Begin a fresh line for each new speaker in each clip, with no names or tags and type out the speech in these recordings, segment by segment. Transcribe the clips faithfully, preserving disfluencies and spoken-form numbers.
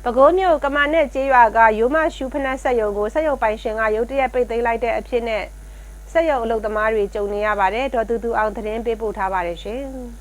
ပဲခူးမြို့ကမာနဲ့ကျေးရွာကရိုးမရှူဖနက်ဆက်ရုံကိုဆက်ရုံပိုင်ရှင်ကရုတ်တရက်ပိတ်သိမ်းလိုက်တဲ့အဖြစ်နဲ့ဆက်ရုံအလုပ်သမားတွေကြုံနေရပါတယ်ဒေါ်တူတူအောင်သတင်းပေးပို့ထားပါတယ်ရှင်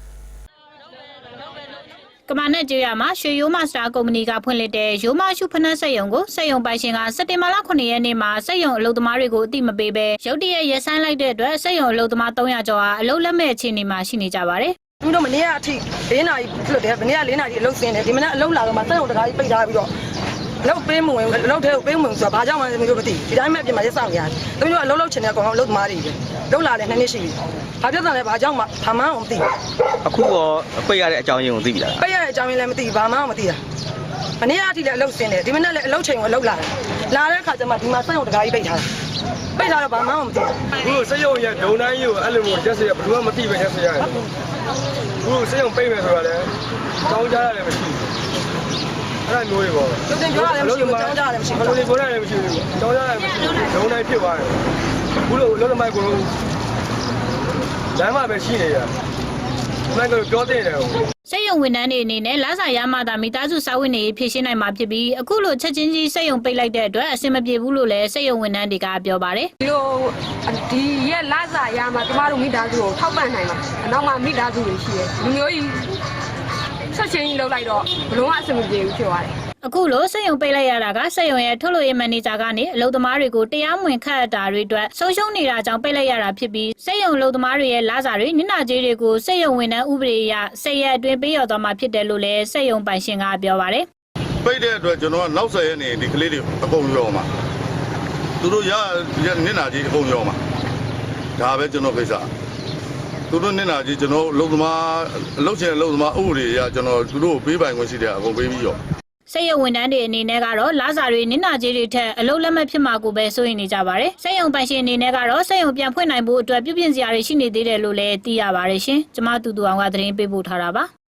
ကမာနဲ့ကျေးရွာမှာရွှေရိုးမစတာကုမ္ပဏီကဖွင့်လှစ်တဲ့ရိုးမရှုဖနက်ဆက်ရုံကိုဆက်ရုံပိုင်ရှင်ကစက်တင်ဘာလခုနှစ်ရက်နေ့မှာဆက်ရုံအလုပ်သမားတွေကိုအတိမပေးဘဲရုတ်တရက်ရက်ဆိုင်းလိုက်တဲ့အတွက်ဆက်ရုံအလုပ်သမားသုံးရာကျော်ဟာအလုပ်လက်မဲ့အခြေအနေမှာရှိနေကြပါတယ်
သူတို့မနေ့ကအထိ၄နာရီလွတ်တယ်မနေ့က၄နာရီအလုပ်ဆင်းတယ်ဒီမနေ့အလုပ်လာတော့မှစက်ရုံတကားကြီးပိတ်ထားပြီးတော့အလုပ်ပေးမဝင်အလုပ်ထဲကိုပေးမဝင်ဆိုတော့ဘာကြောင့်မှမလို့မသိဒီတိုင်းမဲ့ပြင်မှာရက်ဆောင်ရတယ်သူတို့ကအလုပ်လုပ်ချင်တဲ့အကောင်အလုပ်သမားတွေပဲလုပ်လာတယ်နှစ်နှစ်ရှိပြီဘာပြဿနာလဲဘာကြောင့်မှဘာမှမသိ
အခုတော့ပိတ်ရတဲ့အကြောင်းရင်းကိုသိပြီလား
ပိတ်ရတဲ့အကြောင်းရင်းလည်းမသိဘာမှမသိတာမနေ့ကအထိလည်းအလုပ်ဆင်းတယ်ဒီမနေ့လည်းအလုပ်ချိန်ကိုအလုပ်လာတယ်လာတဲ့အခါကျမှဒီမှာစက်ရုံတကားကြီးပိတ်ထားတယ်ပိတ်ထားတော့ဘာမှမသိ
ဘူးအခုစက်ရုံရဲ့ဒုံတိုင်းကြီးကိုအဲ့လိုမျိုးရက်စရဘယ်သူမှမသိပဲရက်စရတယ်အခုစက်ရုံပိတ်မယ်ဆိုတာလည်းတောင်းကြရတယ်မရှိဘူးအဲ့ဒါမျိုးတွေပေါ့
ကျုပ်တင်ပြောရတယ်မရှိဘူးတောင်းကြရတယ်မရှိဘူး
ဘယ်လိုလဲပြောရတယ်မရှိဘူးတောင်းကြရတယ်မရှိဘူးဒုံတိုင်းဖြစ်သွားတယ်အခုလိုလောလောမိုက်ကိုလမ်းမှာပဲရှိနေရမိုက်ကိုပြောတဲ့တယ်
စက်ရုံဝန်ထမ်းတွေအနေနဲ့လစာရမှသာမိသားစုစာဝတ်နေဖြည့်ရှင်းနိုင်မှာဖြစ်ပြီးအခုလိုချက်ချင်းကြီးစက်ရုံပိတ်လိုက်တဲ့အတွက်အဆင်မပြေဘူးလို့လည်းစက်ရုံဝန်ထမ်းတွေကပြောပါတယ်
ဒီလိုဒီရဲ့လစာရမှကျမတို့မိသားစုကိုထောက်ပံ့နိုင်မှာအနောက်မှာမိသားစုတွေရှိတယ်လူမျိုးကြီးချက်ချင်းကြီးလောက်လိုက်တော့ဘလုံးအဆင်မပြေဘူးဖြစ်သွားတယ်
အခုလိုစက်ရုံပိတ်လိုက်ရတာကစက်ရုံရဲ့ထုတ်လုပ်ရေးမန်နေဂျာကနေအလုပ်သမားတွေကိုတရားမဝင်ခန့်အပ်တာတွေအတွက်ဆုံးရှုံးနေတာကြောင့်ပိတ်လိုက်ရတာဖြစ်ပြီးစက်ရုံအလုပ်သမားတွေရဲ့လစာတွေနစ်နာကြေးတွေကိုစက်ရုံဝန်ထမ်းဥပဒေအရစက်ရက်အတွင်းပေးရသွားမှာဖြစ်တယ်လို့လည်းစက်ရုံပိုင်ရှင်ကပြောပါတယ်
ပိတ်တဲ့အတွက်ကျွန်တော်ကနောက်ဆက်ရနေဒီကလေးတွေအကုန်ရောမှာသူတို့ရနစ်နာကြေးအကုန်ရောမှာဒါပဲကျွန်တော်ကိစ္စသူတို့နစ်နာကြေးကျွန်တော်အလုပ်သမားအလုပ်ရှင်အလုပ်သမားဥပဒေအရကျွန်တော်သူတို့ပေးပိုင်ခွင့်ရှိတဲ့အကုန်ပေးပြီးရော
စက်ရုံဝန်ထမ်းတွေအနေနဲ့ကတော့လစာတွေနစ်နာကြေးတွေထက်အလုပ်လက်မဲ့ဖြစ်မှာကိုပဲစိုးရိမ်နေကြပါတယ်။စက်ရုံပိုင်ရှင်အနေနဲ့ကတော့စက်ရုံပြန်ဖွင့်နိုင်ဖို့အတွက်ပြုပြင်စရာတွေရှိနေသေးတယ်လို့လည်းသိရပါတယ်ရှင်။ကျွန်မတူတူအောင်ကသတင်းပေးပို့ထားတာပါ။